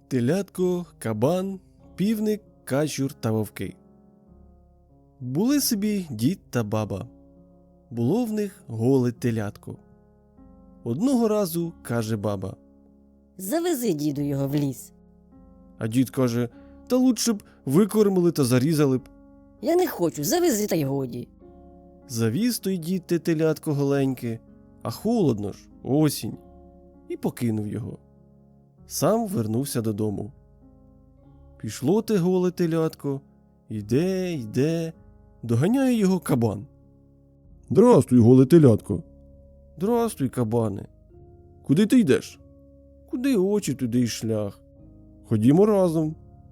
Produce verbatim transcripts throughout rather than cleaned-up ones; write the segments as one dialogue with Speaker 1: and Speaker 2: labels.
Speaker 1: Телятко, кабан, півник, качур та вовки. Були собі дід та баба. Було в них голе телятко. Одного разу каже баба:
Speaker 2: Завези, діду, його в ліс.
Speaker 1: а дід каже: та лучше б викормили та зарізали б.
Speaker 2: Я не хочу, завези та й годі.
Speaker 1: Завіз той дід те телятко голеньке, а холодно ж, осінь, і покинув його. Сам вернувся додому. Пішло те голе телятко, йде, йде, доганяє його кабан. «Здрастуй, голе телятко!» «Здрастуй, кабане!» «Куди ти йдеш?» «Куди очі, туди й шлях. Ходімо разом!»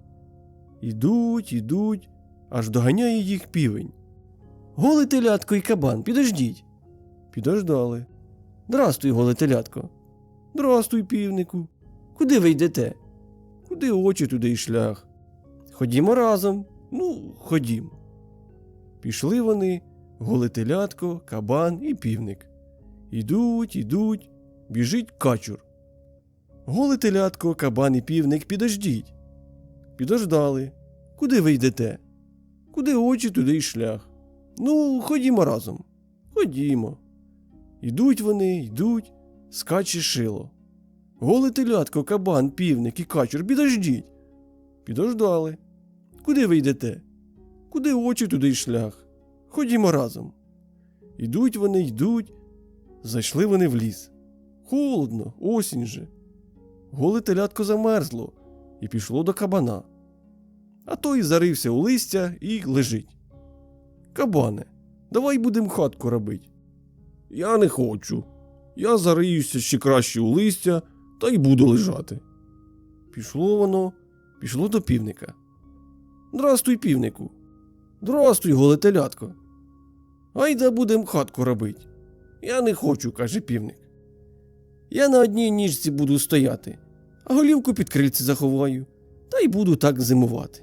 Speaker 1: Ідуть, ідуть, аж доганяє їх півень. «Голе телятко і кабан, підождіть!» Підождали. «Здрастуй, голе телятко!» «Здрастуй, півнику! Куди ви йдете?» «Куди очі, туди й шлях. Ходімо разом!» «Ну, ходім!» Пішли вони, голе телятко, кабан і півник. Ідуть, ідуть, біжить качур. «Голе телятко, кабан і півник, підождіть!» Підождали. «Куди ви йдете?» «Куди очі, туди й шлях. Ну, ходімо разом!» «Ходімо!» Ідуть вони, йдуть, скаче шило. «Голе телятко, кабан, півник і качур, підождіть!» Підождали. «Куди ви йдете?» «Куди очі, туди й шлях. Ходімо разом!» Ідуть вони, йдуть, зайшли вони в ліс. Холодно, осінь же. Голе телятко замерзло і пішло до кабана. А той зарився у листя і лежить. «Кабане, давай будем хатку робить». «Я не хочу. Я зариюся ще краще у листя та й буду лежати». Пішло воно, пішло до півника. «Здрастуй, півнику!» «Здрастуй, голе телятко!» «Айда будем хатку робить». «Я не хочу», – каже півник. «Я на одній ніжці буду стояти, а голівку під крильце заховаю, та й буду так зимувати».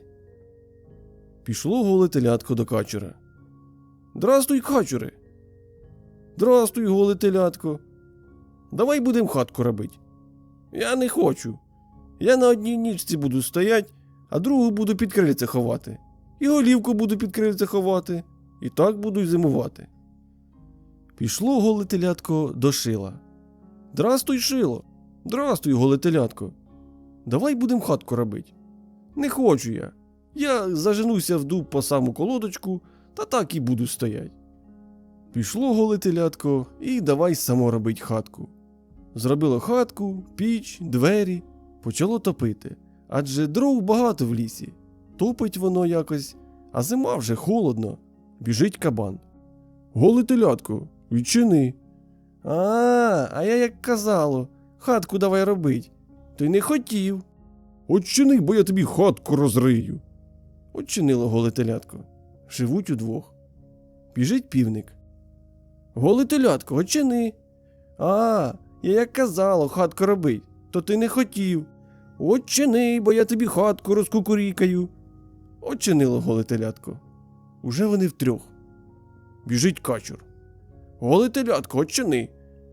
Speaker 1: Пішло голе телятко до качура. «Здрастуй, качуре!» «Здрастуй, голе телятко!» «Давай будем хатку робить». «Я не хочу. Я на одній ніжці буду стоять, а другу буду під крильце ховати. І голівку буду під крильце ховати, і так буду й зимувати». Пішло голе телятко до шила. «Здрастуй, шило!» «Здрастуй, голе телятко!» «Давай будем хатку робить». «Не хочу я. Я заженуся в дуб по саму колодочку, та так і буду стоять». Пішло голе телятко і давай само робить хатку. Зробило хатку, піч, двері, почало топити, адже дров багато в лісі. Топить воно якось, а зима вже холодно. Біжить кабан. «Голе телятко, відчини». «А, а я як казало, хатку давай робить. Ти не хотів». «Отчини, бо я тобі хатку розрию». Отчинило голе телятко. Живуть удвох. Біжить півник. «Голе телятко, отчини». «А, я як казало, хатку робить, то ти не хотів». «Отчини, бо я тобі хатку розкукурікаю». Отчинило голе телятко. Уже вони втрьох. Біжить качур. «Голе телятко, отчини».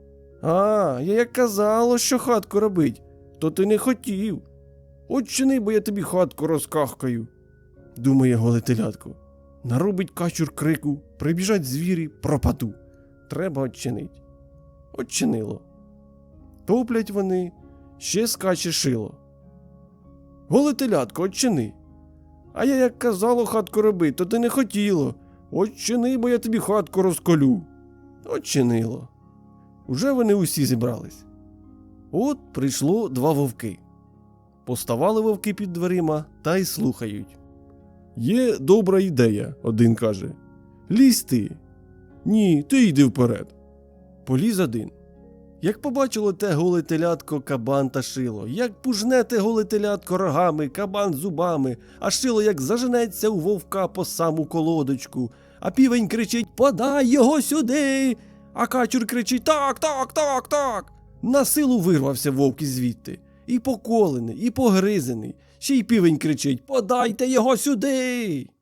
Speaker 1: «А, я як казало, що хатку робить, то ти не хотів». «Отчини, бо я тобі хатку розкахкаю», – думає голе телятко. Наробить качур крику, прибіжать звірі, пропаду. Треба отчинить. Отчинило. Топлять вони, ще скаче шило. «Голе телятко, отчини». «А я як казало хатку робить, то ти не хотіло. Отчини, бо я тобі хатку розколю». Отчинило. Уже вони усі зібрались. От прийшло два вовки. Поставали вовки під дверима та й слухають. «Є добра ідея», – один каже. «Лізь ти». «Ні, ти йди вперед». Поліз один. Як побачило те голе телятко, кабан та шило, як пужне те голе телятко рогами, кабан зубами, а шило як заженеться у вовка по саму колодочку, а півень кричить: «Подай його сюди!» А качур кричить: «Так, так, так, так!» На силу вирвався вовк звідти. І поколений, і погризений. Ще й півень кричить: «Подайте його сюди!»